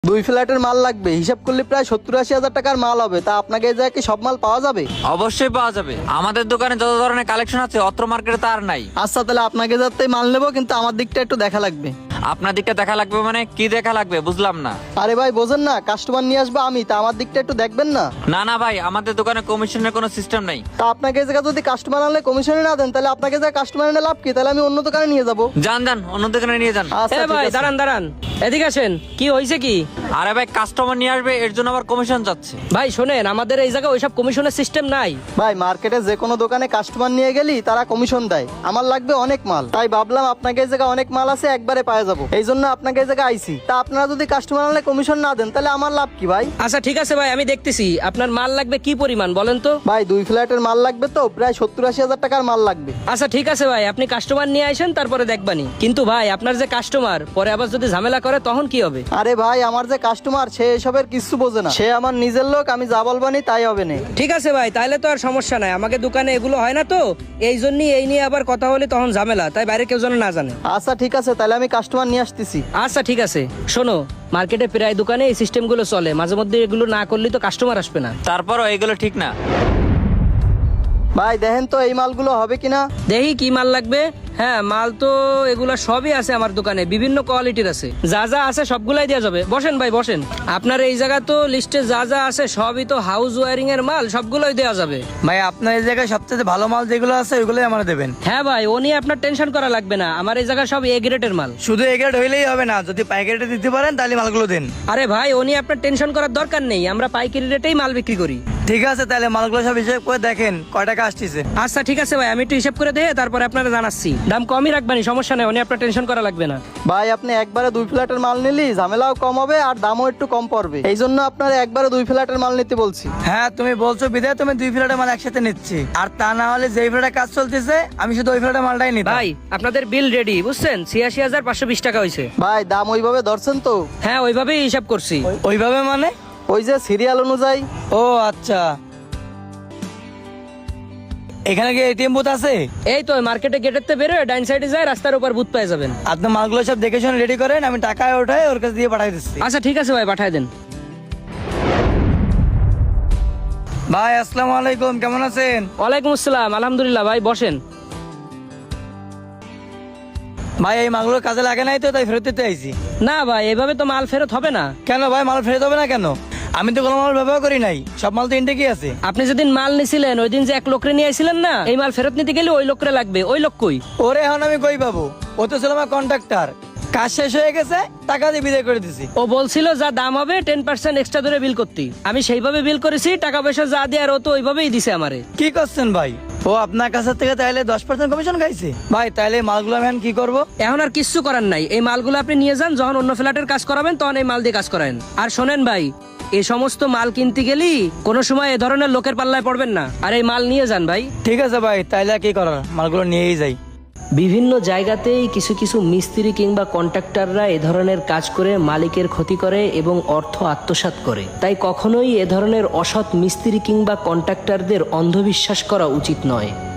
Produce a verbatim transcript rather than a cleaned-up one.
দুই ফ্ল্যাটের মাল লাগবে, হিসাব করলে প্রায় সত্তর আশি হাজার টাকার মাল হবে। তা আপনাকে এই জায়গায় কি সব মাল পাওয়া যাবে? অবশ্যই পাওয়া যাবে, আমাদের দোকানে যত ধরনের কালেকশন আছে অত্র মার্কেটে তার নাই। আচ্ছা তাহলে আপনাকে যাতে মাল নেবো, কিন্তু আমার দিকটা একটু দেখা লাগবে। আপনার দিকটা দেখা লাগবে মানে কি দেখা লাগবে বুঝলাম না। আরে ভাই বোঝেন না, কাস্টমার নিয়ে আসবো আমি, তা আমার দিকটা একটু দেখবেন না। না না ভাই, আমাদের দোকানে কমিশনের কোনো সিস্টেম নেই। তা আপনাকে এই জায়গায় যদি কাস্টমার আনলে কমিশনে না দেন, তাহলে আপনাকে যা কাস্টমার এনে লাভ কি? তাহলে আমি অন্য দোকানে নিয়ে যাবো। যান যান, অন্য দোকানে নিয়ে যান। আচ্ছা এ ঠিক ভাই আছে। দাঁড়ান দাঁড়ান, এদিকে আসেন। কি হয়েছে কি? আরে ভাই, কাস্টমার নিয়ে আসবে এর জন্য আবার কমিশন যাচ্ছে। ভাই শোনেন, আমাদের এই জায়গায় ওইসব কমিশনের সিস্টেম নাই। ভাই মার্কেটে যে কোনো দোকানে কাস্টমার নিয়ে গেলি তারা কমিশন দেয়। আমার লাগবে অনেক মাল, তাই ভাবলাম আপনাকে এই জায়গায় অনেক মাল আছে, একবারে পাওয়া যাবো, এই জন্য আপনাকে এই জায়গায় আইছি। তা আপনারা যদি কাস্টমার আনলে কমিশন না দেন, তাহলে আমার লাভ কি ভাই? আচ্ছা ঠিক আছে ভাই, আমি দেখতেছি আপনার মাল লাগবে কি পরিমাণ বলেন তো। ভাই দুই ফ্ল্যাটের মাল লাগবে, তো প্রায় সত্তর আশি হাজার টাকার মাল লাগবে। আচ্ছা ঠিক আছে ভাই, আপনি কাস্টমার নিয়ে আসেন, তারপরে দেখবানি। কিন্তু ভাই আপনার যে কাস্টমার পরে আবার যদি ঝামেলা করে তখন কি হবে? আরে ভাই আমার যে কাস্টমার, সে এসবের কিছু বোঝে না, সে আমার নিজের লোক, আমি যা বলবানি তাই হবে না। ঠিক আছে ভাই, তাহলে তো আর সমস্যা নাই, আমাকে দোকানে এগুলো হয় না তো, এই জন্যই এই নিয়ে আবার কথা হলে তখন ঝামেলা, তাই বাইরে কেউ যেন না জানে। আচ্ছা ঠিক আছে, তাহলে আমি কাস্টমার নিয়ে আসতেছি। আচ্ছা ঠিক আছে। শোনো, মার্কেটে প্রায় দোকানে এই সিস্টেমগুলো চলে, মাঝে মধ্যে এগুলো না করলে তো কাস্টমার আসবে না। তারপরও এগুলো ঠিক না। ভাই দেখেন তো এই মালগুলো হবে কিনা। দেখি কি মাল লাগবে। হ্যাঁ, মাল তো এগুলা সবই আছে আমার দোকানে, বিভিন্ন কোয়ালিটির আছে, যা যা আছে সবগুলাই দেওয়া যাবে। বসেন ভাই বসেন। আপনার এই জায়গা তো লিস্টে যা যা আছে সবই তো হাউস ওয়ারিং এর মাল, সবগুলোই দেওয়া যাবে। ভাই আপনার এই জায়গায় সবচেয়ে ভালো মাল যেগুলো আছে ওইগুলোই আমরা দেবেন। হ্যাঁ ভাই, ও নিয়ে আপনার টেনশন করা লাগবে না, আমার এই জায়গা সব এ গ্রেডের মাল। শুধু এগ্রেড হইলেই হবে না, যদি পাইকারিতে দিতে পারেন তাহলে মালগুলো দেন। আরে ভাই, ও নিয়ে আপনার টেনশন করার দরকার নেই, আমরা পাইকারি রেটেই মাল বিক্রি করি। ঠিক আছে, তাহলে মালগুলো সব হিসেব করে দেখেন কয় টাকা আসতেছে। আচ্ছা ঠিক আছে ভাই, আমি একটু হিসাব করে দেখে তারপরে আপনারা জানাচ্ছি। দাম কমই রাখবানি, সমস্যা নেই, ও নিয়ে আপনার টেনশন করা লাগবে না। ভাই আপনি একবারে দুই ফ্ল্যাটের মাল নিলি ঝামেলাও কম হবে আর দামও একটু কম পড়বে, এই জন্য আপনার একবারে দুই ফ্ল্যাটের মাল নিতে বলছি। হ্যাঁ তুমি বলছো বিদায় তুমি দুই ফ্ল্যাটের মাল একসাথে নিচ্ছি, আর তা না হলে যেই ফ্ল্যাটে কাজ চলতেছে আমি শুধু ওই ফ্ল্যাটের মালটাই নিতাম। ভাই আপনাদের বিল রেডি, বুঝছেন? ছিয়াশি হাজার পাঁচশো বিশ টাকা হয়েছে। ভাই দাম ওইভাবে ধরছেন তো? হ্যাঁ, ওইভাবেই হিসাব করছি। ওইভাবে মানে? ওই যে সিরিয়াল অনুযায়ী। ও আচ্ছা, এখানে কি এটিএম বুথ আছে? এই তো মার্কেটে গেটের তে বেরোয় ডাইন সাইডে যায়, রাস্তার উপর বুথ পেয়ে যাবেন। আপনি মালগুলো সব দেখে শুনে রেডি করেন, আমি টাকা ওঠাই ওর কাছে দিয়ে পাঠাই দিচ্ছি। আচ্ছা ঠিক আছে ভাই, পাঠায় দেন। ভাই আসসালামু আলাইকুম, কেমন আছেন? ওয়ালাইকুম আসসালাম, আলহামদুলিল্লাহ। ভাই বসেন। ভাই এই মালগুলো কাজে লাগে নাই তো, তাই ফেরত দিতে আইছি। না ভাই, এভাবে তো মাল ফেরত হবে না। কেন ভাই, মাল ফেরত হবে না কেন? আমি তো কোনো মাল ব্যবহার করি নাই, সব মাল তো ইন্টেকই আছে। আপনি যেদিন মাল নিছিলেন ওই দিন যে এক লোকরে নিয়ে আইছিলেন না, এই মাল ফেরত নিতে গেলে ওই লোকরে লাগবে। ওই লোক কই? ওরে এখন আমি কই পাবো? ও তো ছিল আমার কন্ট্রাক্টর, কাজ শেষ হয়ে গেছে, টাকা দিয়ে বিদায় করে দিছি। ও বলছিল যা দাম হবে টেন পার্সেন্ট এক্সট্রা ধরে বিল করতে, আমি সেইভাবে বিল করেছি, টাকা পয়সা যা দিয়ে আর ও তো ওইভাবেই দিছে আমারে। কি করছেন ভাই? ও আপনার কাছে থেকে তাইলে দশ পার্সেন্ট কমিশন খাইছে? ভাই তাইলে মালগুলো আমি এখন কি করবো? এখন আর কিচ্ছু করার নাই, এই মালগুলো আপনি নিয়ে যান, যখন অন্য ফ্ল্যাটের কাজ করাবেন তখন এই মাল দিয়ে কাজ করাবেন। আর শোনেন ভাই, এই সমস্ত মাল কিনতে গেলি কোনো সময় এ ধরনের লোকের পাল্লায় পড়বেন না, আর এই মাল নিয়ে যান ভাই। ঠিক আছে ভাই, তাইলে আর কি করার, মালগুলো নিয়েই যাই। বিভিন্ন জায়গাতেই কিছু কিছু মিস্ত্রি কিংবা কন্ট্রাক্টররা এ ধরনের কাজ করে মালিকের ক্ষতি করে এবং অর্থ আত্মসাৎ করে, তাই কখনোই এ ধরনের অসৎ মিস্ত্রি কিংবা কন্ট্রাক্টরদের অন্ধবিশ্বাস করা উচিত নয়।